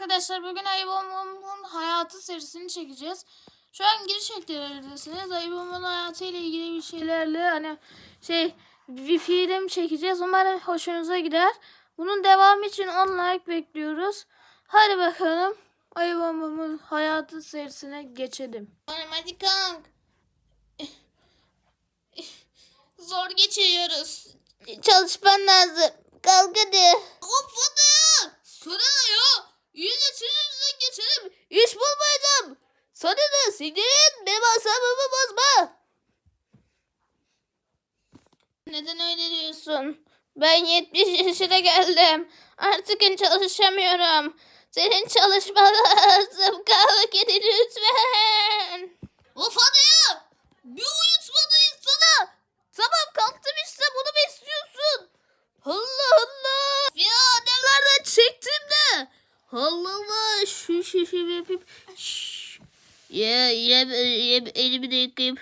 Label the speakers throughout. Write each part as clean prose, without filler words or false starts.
Speaker 1: arkadaşlar, bugün Ayıbom'un hayatı serisini çekeceğiz. Şu an giriş eklerindesiniz. Ayıbom'un hayatı ile ilgili bir şeylerle bir film çekeceğiz. Umarım hoşunuza gider. Bunun devamı için 10 like bekliyoruz. Hadi bakalım Ayıbom'un hayatı serisine geçelim. Hadi kalk. Zor geçiyoruz. Çalışman lazım. Kalk hadi. Of hadi. Sana ya. İyi geçiririz geçelim. İş bulmayacağım. Sana da siktirin. Benim asabımı bozma. Neden öyle diyorsun? Ben 70 yaşına geldim. Artık çalışamıyorum. Senin çalışman lazım. Kalk hadi lütfen. Of hadi ya. Bir uyutmadın sana. Tamam kalktım işte, bunu mu istiyorsun? Allah Allah. Ya nelerden çektim de. Allah Allah. Şu yapayım. Ya elimi de yıkayayım.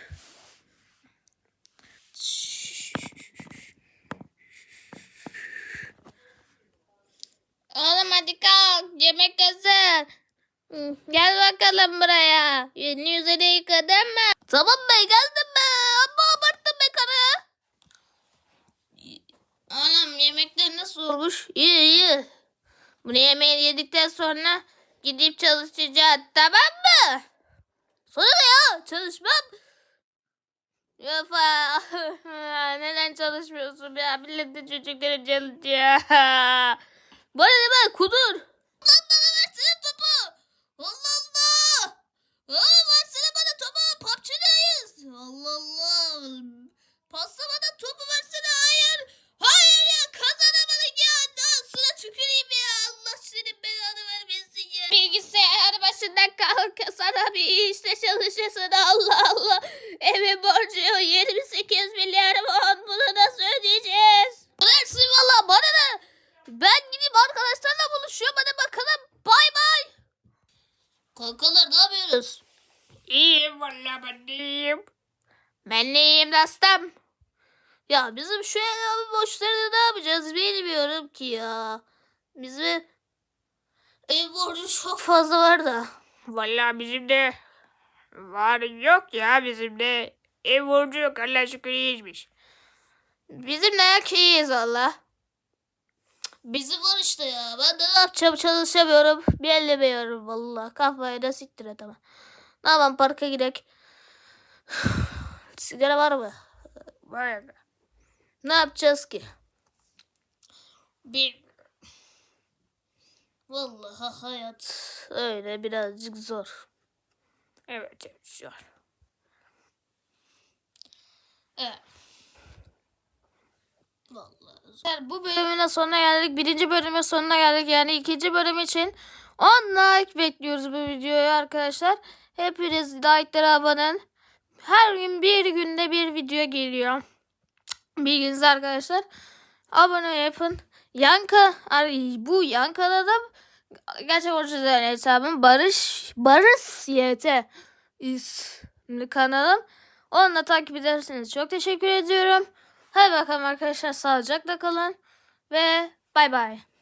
Speaker 1: Oğlum hadi kalk. Yemek hazır. Gel bakalım buraya. Yüzünü yıkadın mı? Tamam be, geldim be. Amma abarttın be karı. Anam yemekler nasıl olmuş? İyi. Bunu yemeği yedikten sonra gidip çalışacağız, tamam mı? Sonra ya çalışmam. Yafa. Neden çalışmıyorsun ya? Milletin çocukları çalışıyor. Bu arada ben kudur. Lan bana versene topu. Allah Allah. Versene bana topu. PUBG'deyiz. Allah Allah. Pasta bana topu versene. Hayır ya, kazanamadık ya. Dansına tüküreyim ya. Allah senin belanı vermesin ya. Bilgisayar başından kalk. Sana bir işte çalışırsın. Allah Allah. Evin borcu 28 milyar won. Bunu nasıl ödeyeceğiz? Versin valla, bana ne? Ben gideyim arkadaşlarla buluşuyorum. Hadi bakalım. Bay bay. Kankalar ne yapıyoruz? İyiyim valla, ben de iyiyim. Ben de iyiyim dostum. Ya bizim şu ev borçlarını ne yapacağız bilmiyorum ki ya. Bizim ev borcu çok fazla var da. Vallahi bizim de var, yok ya, bizim de ev borcu yok, Allah şükür iyiymiş. Bizim de yok, iyiyiz valla. Bizim var işte ya. Ben de ne yapacağım, çalışamıyorum. Bilemiyorum valla. Kafayı da siktir et ama. Ne yapalım, parka gidelim. Sigara var mı? Var ya. Ne yapacağız ki? Vallahi hayat öyle birazcık zor. Evet zor. Evet. Vallahi zor. Bu bölümün sonuna geldik. Birinci bölümün sonuna geldik. Yani ikinci bölüm için 10 like bekliyoruz bu videoya arkadaşlar. Hepiniz like'lara abone olun. Her gün bir günde bir video geliyor. Bilginiz arkadaşlar. Abone yapın. Bu Yanka'da da gerçek orijinal hesabım Barış YT isimli kanalım. Onunla takip ederseniz çok teşekkür ediyorum. Hadi bakalım arkadaşlar, sağlıcakla kalın ve bay bay.